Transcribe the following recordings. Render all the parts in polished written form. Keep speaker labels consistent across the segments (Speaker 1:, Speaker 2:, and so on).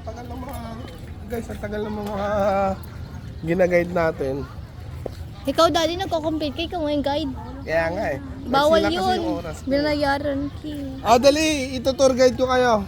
Speaker 1: tagal ng mga, guys, ang tagal ng mga ginaguide natin.
Speaker 2: Ikaw daddy nagko-compete kay kung yung guide.
Speaker 1: Kaya nga eh.
Speaker 2: Bawal
Speaker 1: Sila kasi
Speaker 2: yun.
Speaker 1: yung oras ko.
Speaker 2: Binayaran ki.
Speaker 1: Dali, ito-tour guide ko kayo.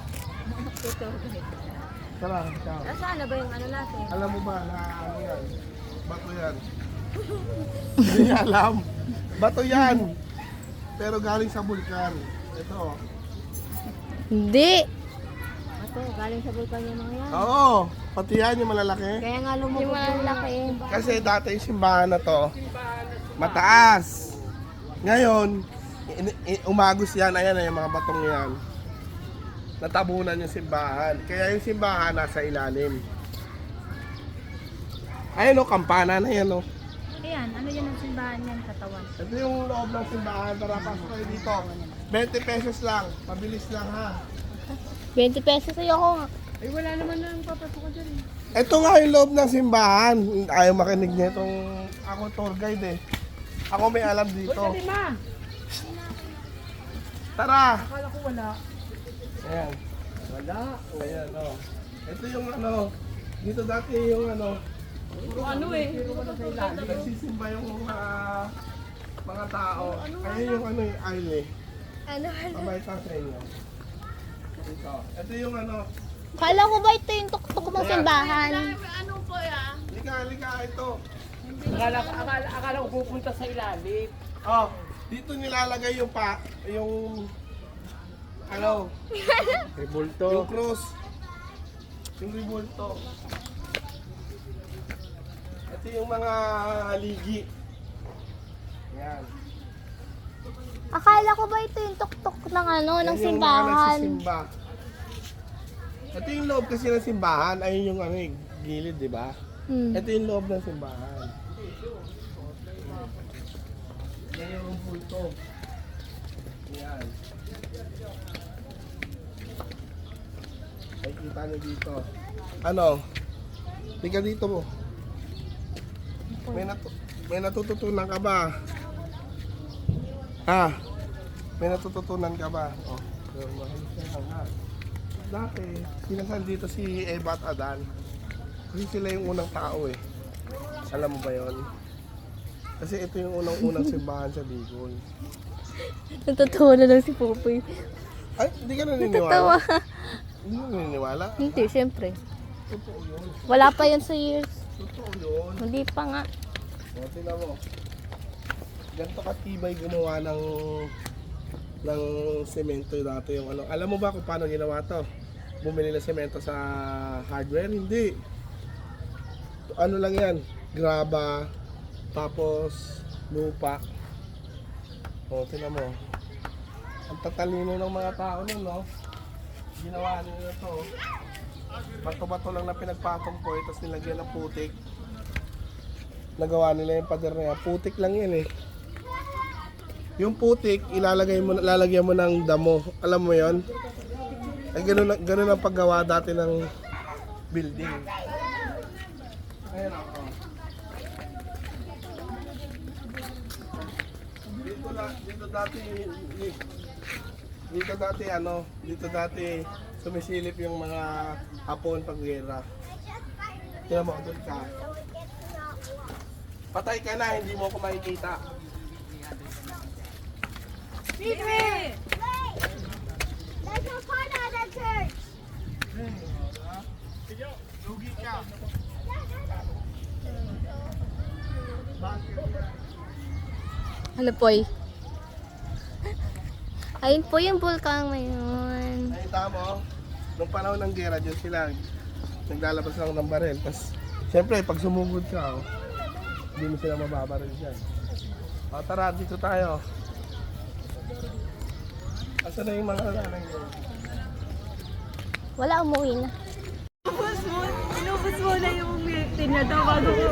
Speaker 1: Tara, ciao.
Speaker 2: Nasaan na ba yung ano natin?
Speaker 1: Alam mo ba na ano yan? Bato yan. Hindi niya alam. Bato yan. Pero galing sa bulkan. Ito.
Speaker 2: Hindi. Ito, galing sa bulkan yung mga yan.
Speaker 1: Oo. Pati yan yung malalaki.
Speaker 2: Kaya nga lumubog yung malalaki.
Speaker 1: Kasi dati yung simbahan na to, mataas. Ngayon, umagos yan. Ayan na yung mga batong yan. Natabunan yung simbahan. Kaya yung simbahan nasa ilalim. Ayun o, kampana na yan o.
Speaker 2: Ayan, ano yan ang simbahan yan, katawan?
Speaker 1: Ito yung loob ng simbahan. Tara, pasok kayo dito. 20 pesos lang. Pabilis lang ha.
Speaker 2: 20 pesos ayoko nga.
Speaker 3: Ay, wala naman na ang papasok ko dyan.
Speaker 1: Ito nga yung loob ng simbahan. Ayaw makinig niya itong ako tour guide eh. Ako may alam dito.
Speaker 3: Dali ma!
Speaker 1: Tara!
Speaker 3: Akala ko wala.
Speaker 1: Ayan.
Speaker 3: Wala.
Speaker 1: Ayan o. Ito yung ano. Dito dati yung ano.
Speaker 3: Puro ano eh.
Speaker 1: Nagsisimba yung mga tao. Ayun yung ano yung aisle eh.
Speaker 2: Ano?
Speaker 1: Pabayta sa inyo. Dito. Ito yung ano.
Speaker 2: Kala ko ba ito yung tuktok ng simbahan?
Speaker 3: Ano po ya?
Speaker 1: Halika ito.
Speaker 3: Akala ko pupunta sa ilalim.
Speaker 1: Oh, dito nilalagay yung ano?
Speaker 3: Rebulto.
Speaker 1: Yung cross. Yung ribulto. Ito yung mga ligi. Yan.
Speaker 2: Akala ko ba ito yung tuktok ng ano, ng
Speaker 1: Yan yung mga
Speaker 2: simbahan?
Speaker 1: nagsisimba. Ito yung loob kasi ng simbahan. Ayun yung ano, gilid, di ba? Ito yung loob ng simbahan. Yan yung pulto. Yan. Ay, kita nyo dito. Ano? Tika dito mo. May natututunan ka ba? Ha? May natututunan ka ba? Oh, mahalis ka lang ha. Dati, sinasan dito si Eva at Adan. Kasi sila yung unang tao eh. Alam mo ba yon? Kasi ito yung unang-unang simbahan sa Bicol.
Speaker 2: Natutuwa na lang si Popoy.
Speaker 1: Ay, hindi ka naniniwala?
Speaker 2: Natatawa.
Speaker 1: Hindi ka naniniwala?
Speaker 2: Hindi, siyempre.
Speaker 1: Totoo yun.
Speaker 2: Wala pa yun sa years.
Speaker 1: Totoo yun.
Speaker 2: Hindi pa nga.
Speaker 1: O, tingnan mo. Ganito katibay gumawa ng semento dati yung ano. Alam mo ba kung paano ginawa to? Bumili ng semento sa hardware? Hindi. Ano lang yan? Graba. Tapos lupa. O, tingnan mo. Ang tatalino ng mga tao nun, no? Ginawa nila to. Bato-bato lang na pinagpatong po. Tapos nilagyan ng putik. Nagawa nila yung pader na yan. Putik lang yan eh. Yung putik, lalagyan mo ng damo. Alam mo yon? Ay, ganun ang paggawa dati ng building. Ayan ako. Dito dati sumisilip yung mga Hapon pag gera. Tingnan mo, doon ka. Patay ka na, hindi mo ako makikita.
Speaker 3: Feed me!
Speaker 4: There's no fun at that church.
Speaker 1: Lugi ka.
Speaker 2: Ano Poy? Ayun po yung bulkan ngayon.
Speaker 1: Nakita mo, nung panahon ng gera, dyan sila naglalabas lang ng baril. Tapos, syempre, pag sumugod ka, hindi mo sila mababaril dyan. O, tara, dito tayo. Asan na yung mga nanay nyo?
Speaker 2: Wala, umuwi na.
Speaker 3: Inubos mo na yung tinadaw bago ko.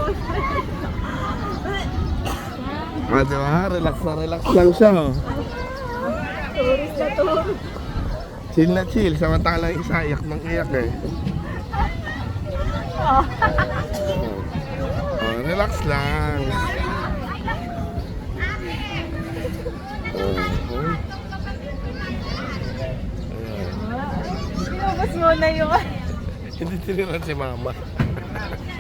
Speaker 1: Diba? Relax lang siya. Oh.
Speaker 3: Tourist na to.
Speaker 1: Chill na chill, samantalang isa iyak ng iyak eh. Oh, relax lang.
Speaker 3: Inubos mo na yung
Speaker 1: Hindi tiniran si mama.